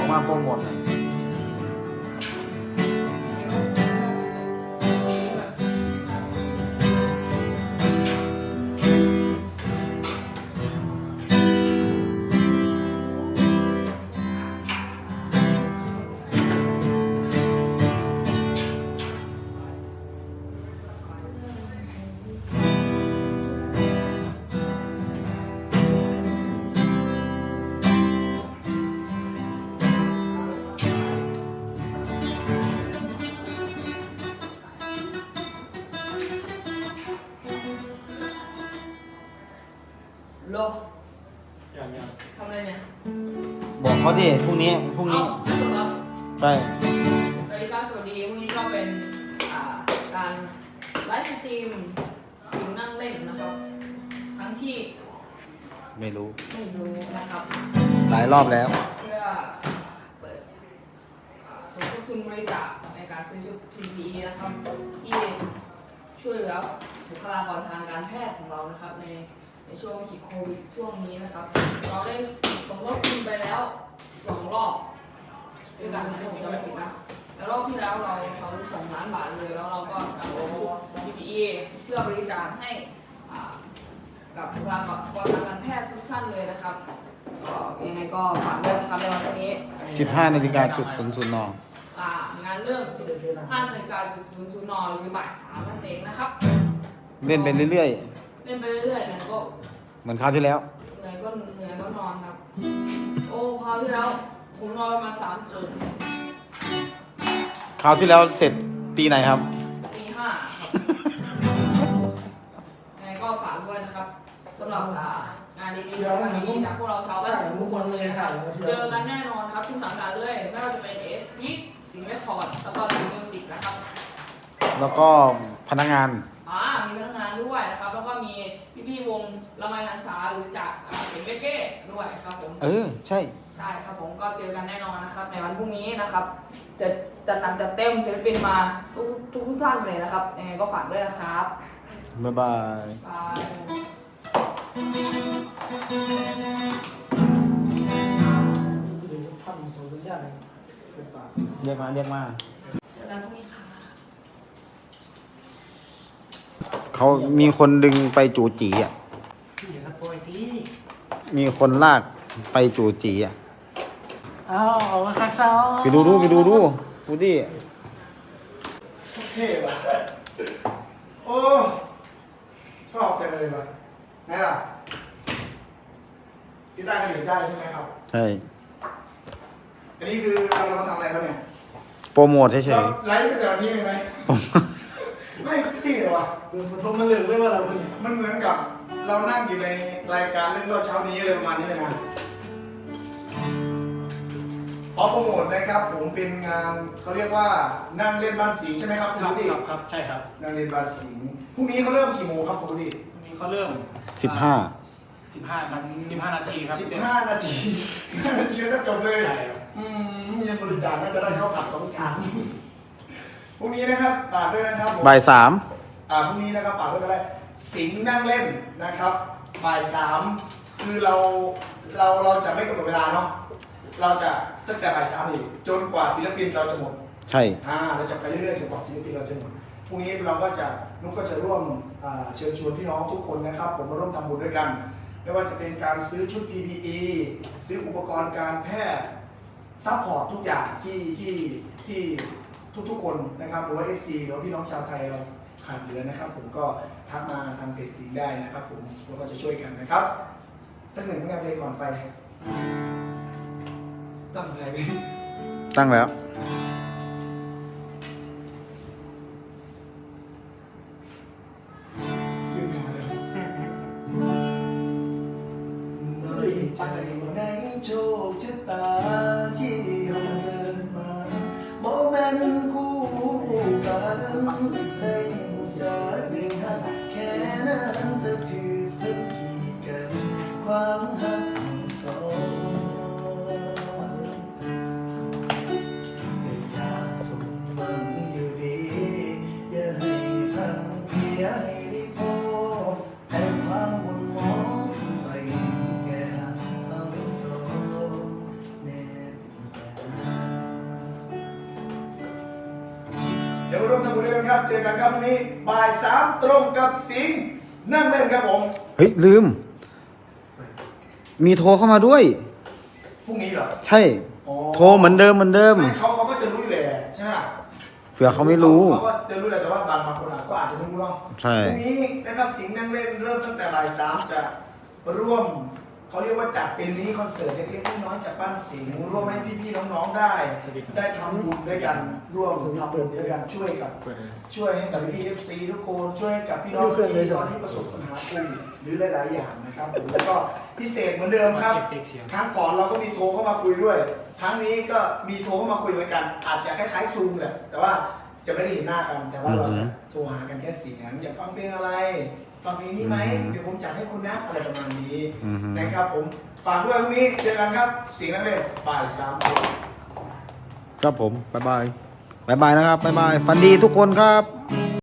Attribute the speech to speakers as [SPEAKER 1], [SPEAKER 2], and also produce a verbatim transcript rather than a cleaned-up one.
[SPEAKER 1] มาโปรโมทหน่อย
[SPEAKER 2] โล
[SPEAKER 3] อย่างอย่าง
[SPEAKER 2] ทำอะไรเนี่ย
[SPEAKER 1] บอกเขาดิพรุ่งนี้พรุ่งนี้
[SPEAKER 2] เอ้าไม่ถูกเหรอ
[SPEAKER 1] ไป
[SPEAKER 2] สวัสดีครับสวัสดีพรุ่งนี้ก็เป็นอ่าการไลฟ์สตรีมสิงนั่งเล่นนะครับทั้งที่
[SPEAKER 1] ไม่รู้
[SPEAKER 2] ไม่รู้นะครับ
[SPEAKER 1] หลายรอบแล้ว
[SPEAKER 2] เพื่อเปิดอ่าสมทบทุนบริจาคในการซื้อชุด พี พี อี นะครับที่ช่วยเหลือบุคลากรทางการแพทย์ของเรานะครับในในช่วงวิกฤตโควิดช่วงนี้นะครับ เราได้สมทบทุนไปแล้วสองรอบด้วยกันนะผมจำไม่ผิดนะแล้วรอบที่แล้วเราเขาสองล้านบาทเลยแล้วเราก็จัดชุด พี พี อี เพื่อบริจาคให้อ่ากับบุคลากรทางการแพทย์ทุกท่านเลยนะครับก็ยังไงก็ฝากด้วยนะครับในวันนี้
[SPEAKER 1] สิบห้านาฬิกาจุดศูนย์ศูนย์น
[SPEAKER 2] อ่างานเริ่มห้านาฬิกาจุดศูนย์ศูนย์นหรือบ่ายสามนั่นเองนะครับ
[SPEAKER 1] เล่นไปเรื่อย
[SPEAKER 2] เล่นไปเรื่อยๆเนี่ยก็
[SPEAKER 1] ๆ เหมือนคราวที่แล้ว
[SPEAKER 2] เหนื่อยก็เหนื่อยก็นอนครับ โอ้คราวที่แล้วผมนอนประมาณสามคืน
[SPEAKER 1] คราวที่แล้วเสร็จตีไหนครับ
[SPEAKER 2] ตีห้าครับยังไงก็ฝากด้วยนะครับสำหรับอ่างานดีๆงานดีๆจากพวกเราชาวบ้านสิงห์ทุกคนเลยนะครับเจอกันแน่นอนครับทุกสังกัดเลยไม่ว่าจะเป็น เอส พี สิงห์เรคคอร์ดแล้วก็สิงห์มิวสิกนะครับ
[SPEAKER 1] แล้วก็พนักงาน
[SPEAKER 2] อ่ามีพนักงานด้วยนะครับ แล้วก็มีพี่ๆวงละไมหันษาหรือจากอ่าเสียงเบเก้ด้วยครับผม
[SPEAKER 1] เออ ใช่
[SPEAKER 2] ใช่ครับผมก็เจอกันแน่นอนนะครับ ในวันพรุ่งนี้นะครับ จะจัดหนักจัดเต็มศิลปินมาทุกทุกทุกท่านเลยนะครับยังไงก็ฝากด้วยนะครับ
[SPEAKER 1] บ๊ายบาย
[SPEAKER 2] บาย
[SPEAKER 3] เดี๋ยวทำส่งสัญญาณเป็นปาก
[SPEAKER 1] เรียกมา เรียกมา
[SPEAKER 2] เจอกันพรุ่งนี้ค่ะ
[SPEAKER 1] เขามีคนดึงไปจูจีอ่ะ
[SPEAKER 3] พี่อย่าสปอยสิ
[SPEAKER 1] มีคนลากไปจูจีอ่ะ
[SPEAKER 3] อ้าวเอามาคักเซา
[SPEAKER 1] ไปดูดูไปดูดูดูดิ
[SPEAKER 3] เท่ป่ะโอ้ชอบจังเลยป่ะไหนล่ะกีตาร์กันอยู่ได้ใช่ไหมครับ
[SPEAKER 1] ใช่
[SPEAKER 3] อันนี้คือเรามาทำอะไรครับเนี่ย
[SPEAKER 1] โปรโมทเฉ
[SPEAKER 3] เรา
[SPEAKER 1] ย
[SPEAKER 3] ไลฟ์ตั้งแต่วันนี้เลยไหม
[SPEAKER 1] ๆผม
[SPEAKER 3] ไม่เท่หรอวะมันมันเหลืองไม่ว่าเราเนี่ยมันเหมือนกับเรานั่งอยู่ในรายการเรื่องเล่าเช้านี้อะไรประมาณนี้เลยนะขอโปรโมทนะครับผมเป็นงานเขาเรียกว่านั่งเล่นบ้านสิงห์ใช่ไหมครับคุณ
[SPEAKER 4] ครับ
[SPEAKER 3] ดิ
[SPEAKER 4] ครับครับใช่ครับ
[SPEAKER 3] นั่งเล่นบ้านสิงห์พรุ่งนี้เขาเริ่มกี่โมงครับคุณดิ
[SPEAKER 4] วันนี้เขาเริ่ม
[SPEAKER 1] สิบห้า
[SPEAKER 4] สิบห้าครับสิบห้านาทีครับ
[SPEAKER 3] สิบห้านาทีห้านาทีแล้วก็จบเลย
[SPEAKER 4] ใช่ครับ
[SPEAKER 3] อืมเงินบริจาคน่าจะได้เข้าผับสองจานพรุ่งนี้นะครับฝากด้วยนะครับผม
[SPEAKER 1] บ่ายสาม
[SPEAKER 3] อ่าพรุ่งนี้นะครับฝากด้วยกันได้สิงห์นั่งเล่นนะครับบ่ายสามคือเราเราเราจะไม่กำหนดเวลาเนาะเราจะตั้งแต่บ่ายสามนี่จนกว่าศิลปินเราจะหมด
[SPEAKER 1] ใช่
[SPEAKER 3] อ่าเราจะไปเรื่อยๆจนกว่าศิลปินเราจะหมดพรุ่งนี้เราก็จะนุกก็จะร่วมอ่าเชิญชวนพี่น้องทุกคนนะครับ ผมมาร่วมทำบุญด้วยกัน ไม่ว่าจะเป็นการซื้อชุด พี พี อี ซื้ออุปกรณ์การแพทย์ซัพพอร์ตทุกอย่างที่ที่ที่ทุกๆคนนะครับหรือว่า เอฟ ซี หรือว่าพี่น้องชาวไทยเราขาดเหลือนะครับ ผมก็ทักมาทางเพจสิงห์ได้นะครับ ผมเราก็จะช่วยกันนะครับสักหนึ่งผลงานเพลงก่อนไปตั้งใจไป
[SPEAKER 1] ตั้งแล้ว
[SPEAKER 3] ลืมมาเลยน้อยใจในโชคชะตาที่เราเดินมาโมเมนต์คู่กันให้หูจากเรื่องหักแค่นั้นแต่ถือเป็นกีดกันความหักของสองอย่าสมหวังอยู่ดีอย่าให้พังเพียให้ได้พบแต่ความหม่นหมองใส่แก่เอาโซ่แน่เป็นใจอกันครับพรุ่งนี้บ่ายสามตรงกับสิงห์นั่งเล่นครับผม
[SPEAKER 1] เฮ้ยลืม มีโทรเข้ามาด้วย
[SPEAKER 3] พรุ่งนี้เหรอ
[SPEAKER 1] ใช่ โทรเหมือนเดิมเหมือนเดิม
[SPEAKER 3] ไม่เขาเขาก็จะรู้อยู่แหละใช่ไหม
[SPEAKER 1] เผื่อเขาไม่รู้
[SPEAKER 3] เขาก็จะรู้แหละแต่ว่าบางบางคนอาจก็อาจจะไม่รู้เนาะ
[SPEAKER 1] ใช่
[SPEAKER 3] พรุ่งนี้นะครับสิงห์นั่งเล่นเริ่มตั้งแต่บ่ายสามจะร่วมเขาเรียกว่าจัดเป็นมินิคอนเสิร์ตเล็กๆน้อยๆจากบ้านสิงห์ร่วมให้พี่ๆน้องๆได้ ได้ทำบุญด้วยกันร่วมทำบุญด้วยกันช่วยกับ ช่วยให้กับพี่เอฟซีทุกคนช่วยให้กับพี่น้องที่ตอนนี้ประสบปัญหาโควิดหรือหลายๆอย่างนะครับผมแล้วก็พิเศษเหมือนเดิมครับครั้งก่อนเราก็มีโทรเข้ามาคุยด้วยครั้งนี้ก็มีโทรเข้ามาคุยเหมือนกัน อาจจะคล้ายๆซูมแหละแต่ว่าจะไม่ได้เห็นหน้ากันแต่ว่าเราจะโทรหากันแค่เสียงอยากฟังเพลงอะไรฟังเพลงนี้ไหมเดี๋ยวผมจัดให้คุณนะอะไรประมาณนี้นะครับผมฝากด้วยพรุ่งนี้เจอกันครับเสียงนักเล่นบ่ายสามโมง
[SPEAKER 1] ครับผม บ๊ายบาย บ๊ายบายนะครับ บ๊ายบาย ฝันดีทุกคนครับ